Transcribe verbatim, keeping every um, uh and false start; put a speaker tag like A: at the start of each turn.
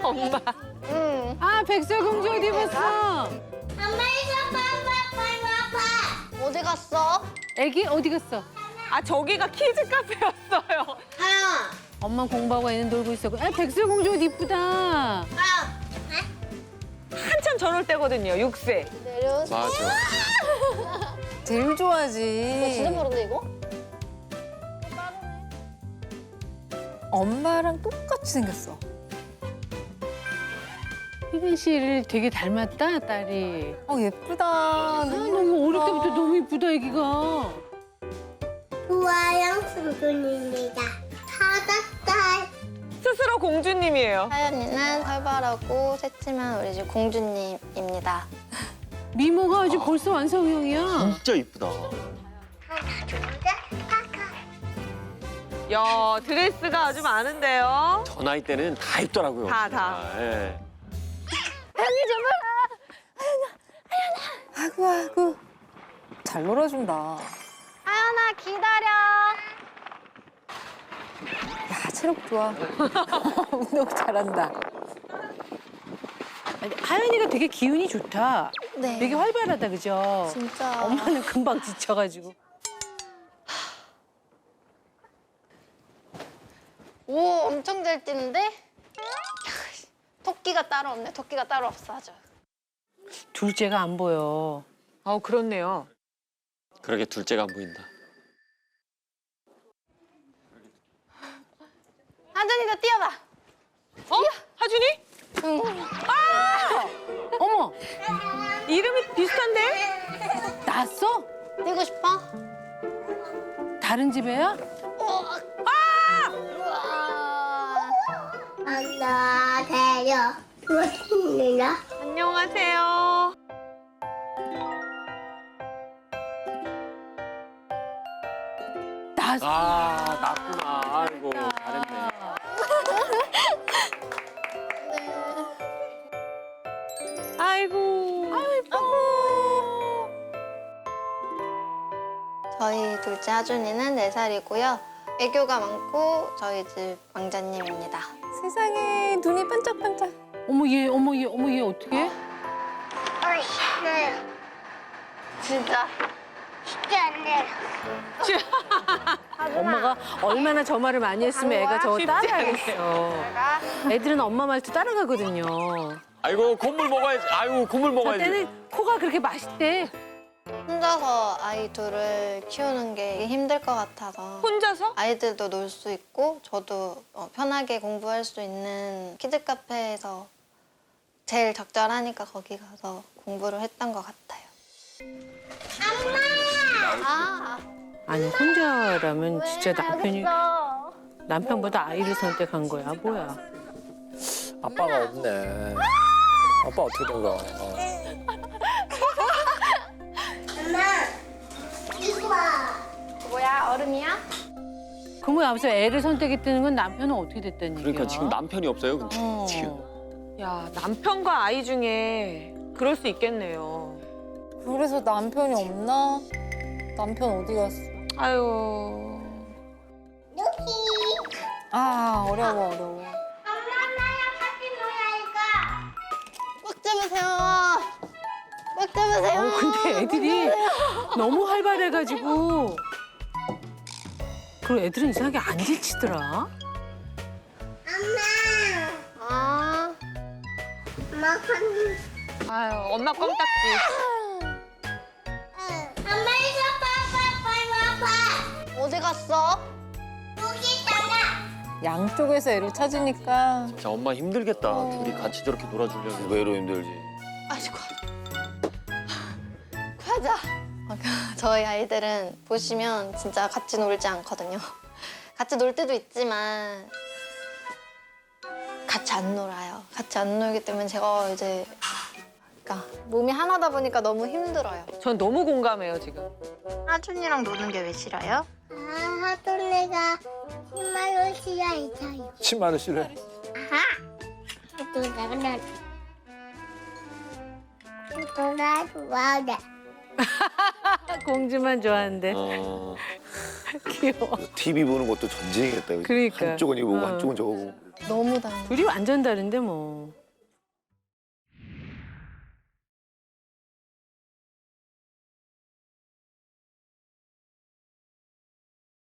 A: 엄마.
B: 응.
C: 아, 백설공주 어디 입었어?
D: 엄마 이거 봐봐 봐봐 봐.
B: 어디 갔어?
C: 애기 어디 갔어?
A: 아 저기가 키즈 카페였어요.
B: 하영아.
C: 엄마 공부하고 애는 놀고 있었고. 아, 백설공주 옷 이쁘다.
B: 하영.
A: 한참 저럴 때거든요. 육 세.
B: 내려.
E: 맞아.
F: 제일
B: 이거
F: 좋아하지.
B: 진짜 빠른데 이거?
F: 엄마랑 똑같이 생겼어.
C: 희빈 씨를 되게 닮았다, 딸이.
F: 어 예쁘다.
C: 아, 너무 어릴 때부터 너무 이쁘다, 애기가.
D: 우아영 순순입니다. 다섯 살.
A: 스스로 공주님이에요.
B: 하연이는 활발하고 새침한 우리 집 공주님입니다.
C: 미모가 아주 벌써 완성형이야.
E: 진짜 이쁘다.
D: 하나 둘셋 카카.
A: 야 드레스가 아주 많은데요.
E: 저 나이 때는 다 입더라고요.
A: 다, 다.
E: 아, 예.
F: 아이고 아이고. 잘 놀아준다.
B: 하연아 기다려.
F: 야 체력 좋아. 운동 잘한다.
C: 아니, 하연이가 되게 기운이 좋다.
B: 네.
C: 되게 활발하다, 그죠?
B: 진짜.
C: 엄마는 금방 지쳐가지고.
B: 오 엄청 잘 뛰는데? 토끼가 따로 없네. 토끼가 따로 없어 아주.
C: 둘째가 안 보여.
A: 아 그렇네요.
E: 그러게 둘째가 안 보인다.
B: 하준이도 뛰어봐.
A: 어? 하준이?
B: 응.
C: 어머,
A: 이름이 비슷한데?
C: 낳았어?
B: 뛰고 싶어?
C: 다른 집애야?
B: 어. 아! 우와.
D: 안녕하세요. 무엇입니다.
A: 안녕하세요.
C: 낳았어.
E: 아, 낫구나. 아이고, 잘했네.
A: 아이고.
B: 저희 둘째 하준이는 네 살이고요. 애교가 많고 저희 집 왕자님입니다.
F: 세상에 눈이 반짝반짝.
C: 어머, 얘, 어머, 얘, 어머, 얘 어떻게?
D: 어이, 네.
B: 진짜.
D: 쉽지 않네요.
C: 엄마가 얼마나 저 말을 많이 했으면 애가 저거
A: 쉽지
C: 따라하겠어. 애들은 엄마 말투 따라가거든요.
E: 아이고, 콧물 먹어야지. 아이고, 콧물
C: 저
E: 먹어야지.
C: 때는 코가 그렇게 맛있대.
B: 혼자서 아이 둘을 키우는 게 힘들 것 같아서
A: 혼자서?
B: 아이들도 놀 수 있고 저도 어, 편하게 공부할 수 있는 키즈 카페에서 제일 적절하니까 거기 가서 공부를 했던 것 같아요. 엄마! 아,
C: 아니, 혼자라면 진짜 남편이, 남편보다 아이를 선택한 거야, 뭐야.
G: 아빠가 없네. 아빠 어떻게 된 거야? 어.
D: 엄마, 이거 봐.
B: 뭐야 얼음이야?
C: 그러면 앞서 애를 선택했다는 건 남편은 어떻게 됐다는 얘기야?
E: 그러니까 지금 남편이 없어요, 근데.
C: 어.
E: 지금.
A: 야 남편과 아이 중에 그럴 수 있겠네요.
F: 그래서 남편이 없나? 남편 어디 갔어?
A: 아유.
D: 여기.
F: 아 어려워 어려워.
D: 엄마, 나랑 같이 놀아니까.
B: 꽉 잡으세요. 꽉 잡으세요.
C: 어, 근데 애들이 너무 활발해가지고. 그리고 애들은 이상하게 안 지치더라.
D: 엄마.
B: 아,
D: 엄마, 한.
A: 아유 엄마 껌딱지.
D: 엄마, 이거 봐봐 봐봐.
B: 어디 갔어?
D: 여기 있잖아.
F: 양쪽에서 애를 찾으니까
E: 진짜 엄마 힘들겠다. 둘이 같이 저렇게 놀아주려면.
G: 의외로 힘들지.
B: 아이고. 가자. 저희 아이들은 보시면 진짜 같이 놀지 않거든요. 같이 놀 때도 있지만 같이 안 놀아요. 같이 안 놀기 때문에 제가 이제 그러니까 몸이 하나다 보니까 너무 힘들어요.
A: 전 너무 공감해요 지금.
B: 하준이랑 노는 게 왜 싫어요?
D: 아, 하돈내가 힘말로 싫어했어요.
G: 치마를 싫어해.
D: 아하. 하돈내가 하돈나 좋아해.
C: 공주만 좋아하는데.
E: 어.
C: 귀여워.
H: 티비 보는 것도 전쟁이겠다. 그치?
C: 그러니까.
H: 한쪽은 이거 보고
C: 어.
H: 한쪽은 저거 보고.
B: 너무 다행.
C: 둘이 완전 다른데 뭐.